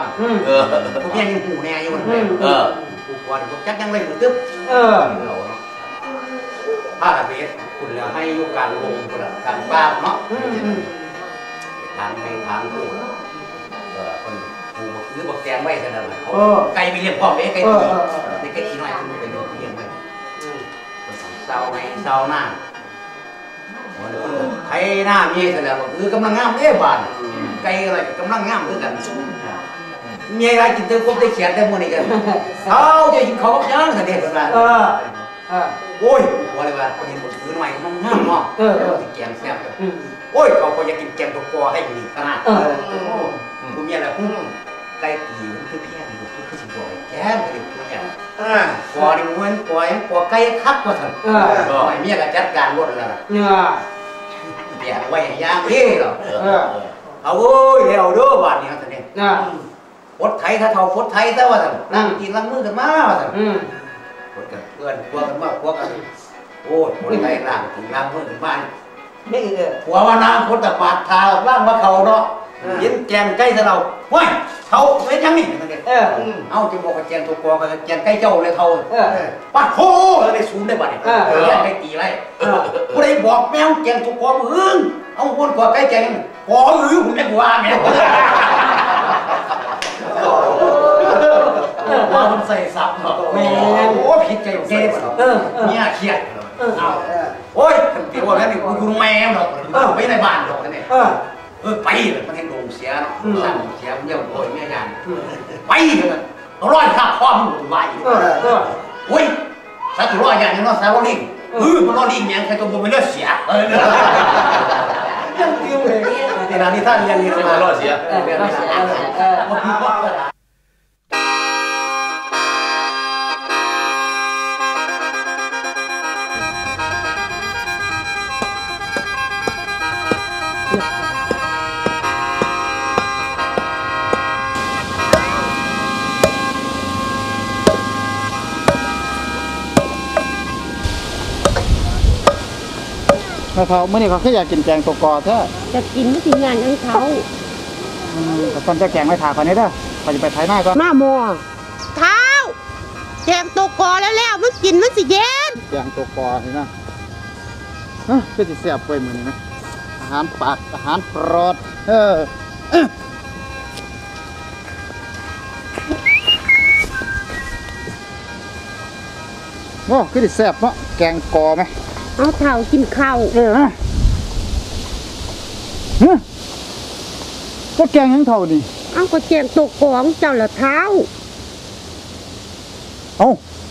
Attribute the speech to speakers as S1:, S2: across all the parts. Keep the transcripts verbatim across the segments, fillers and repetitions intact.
S1: งเออพวกนี้ยังหูแน่อยู่เลยเออผู้กวนพวกจักยังเลยตึ๊บเออเราเนาะผ้าตะเพียนคุณแล้วให้ยุการลงคุณการบ้าเนาะทางให้ทางผู้เออคนผู้หรือบอกแจงไว้ขนาดนั้นเขาไก่ไปเลี้ยงพ่อแม่ไก่ตีในไก่ตีน้อยคุณไปเลี้ยงไว้เศร้าในเศร้าหน้าไทยหน้ามีเสร็จแล้วก็คือกำลังงามเอ๊ะบ้านไก่อะไรกำลังงามด้วยกันมีอะไรกินเต็มครบได้เขียนได้หมดนี่กันเขาจะกินเขาก็ย่างกันเด็ดกันละโอ้ยว่าอะไรวะคนเห็นคนซื้อหน่อยมันงามเนาะติดแกงแซ่บโอ้ยเขาก็อยากกินแกงตัวกอให้ดีขนาดกูมีอะไรกูไก่ตีมันคือเพี้ยนกูคือสิบบ่อยแกงก็เลยกูเนี่ยกอนี่มันกอยังกอไก่คักกว่าสั่งก็ไอ้เมียก็จัดการรถแล้วล่ะเดี๋ยวไว้ย่างนี่หรอเอาโอ้ยเดี๋ยวดูบ้านนี้เขาเนี่ยพดไทยถ้าเท่าพดไทยซะว่าสั่งนั่งกินล้างมือกันมาว่าสั่งพดกันเพื่อนพวกกันมาพวกกันโอ้ยพดไทยล้างกินล้างมือกันมานี่เออหัวว่าน้ำพดแต่ปาดทาล้างว่าเขาเนาะยินแกงใกล้ซะเราเฮ้ยเขาเป็นยังนี่เออเอาจะบอกกับแกงตัวกอกับแกงใกล้เจ้าเลยเขาปาดโค้เลยซูมได้บ้านนี่แกงใกล้ตีไรกูได้บอกแมวแกงตัวกอมือเอาคนกอใกล้แกงกอมือผมไม่กลัวแมวว่ามันใส่ซับแม่โอ้ผิดใจเจ๊เนี่ยเครียดโอ้ยเดี๋ยวว่าแล้วนี่กูดูแมวหรอกไปในบ้านหรอกนี่เออไปเลยมันให้ลงเสียเนาะสั่งเสียมันเยี่ยมโอยไม่ยังไปเลยเราร้อยข้าข้อมันหมดไว้โอ้ยสัตว์ร้อยอย่างนี้เนาะสาวลิงเออมันร้อยลิงยังใครตัวมันเลือดเสียเออยังติ้วเลยแต่นานี่ท่านยังนี่มันร้อยเสียเออร้อยเสียเออ
S2: เขาเมื่อนี้เขาแค่อยากกินแกงตัวกอแท้
S3: จะกินไม่ถึงงานของเขา
S2: แต่ตอนจะแกงไม่ถาคนนี้เด้อเขาจะไปไถนาก่อน
S3: มาโมเท้าแกงตัวกอแล้วแล้วมันกินมันสิเย็น
S2: แกงตัวกอเห็นไหมเฮ้ยก็จะเสียบไปเหมือนนี้นะอาหารปากอาหารโปรดเออโอ้ก็จะเสียบเนาะแกงกอไหม
S3: เอาเท้ากินข้าว
S2: เออนะเฮ้ยก็แกงยังเท่านี่
S3: เอาก็แกงตัวกองเจ้าละเท้า
S2: เอา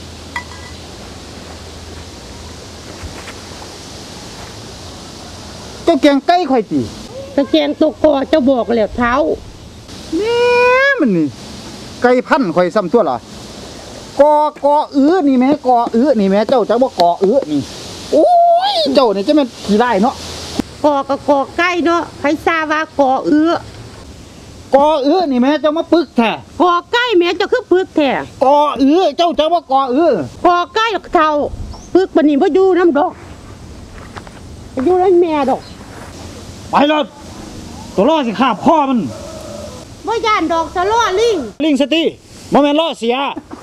S2: ก็แกงไก่ข่อยตี
S3: ก็แกงตัวกอเจ้าบอกแล้วเท้า
S2: เนี่ยมันนี่ไก่พันข่อยซ้ำตัวเหรอกอกออื้อนี่แม่กออื้อนี่แม่เจ้าจะว่ากออื้อนี่โอ้ยเจ้าเนี่ยจะเป็นกี่ไร่เนาะ
S3: กอกับกอใกล้เนาะใครทราบว่ากอเอื้อก
S2: อเอื้อนี่แม่เจ้ามาปึกแท้
S3: กอใกล้แม่เจ้าคือปึกแท้
S2: กอเอื้อเจ้าจะว่ากอเอื้อก
S3: อใกล้เท่าปึกบันนี้ว่าอยู่น้ำดอกอยู่ร้านแม่ดอก
S2: ไปเลยตัวล่อสิขาบพ่อมัน
S3: ว่าย่านดอกจะล่อลิง
S2: ลิงสตีโมเมนต์ล่อเสีย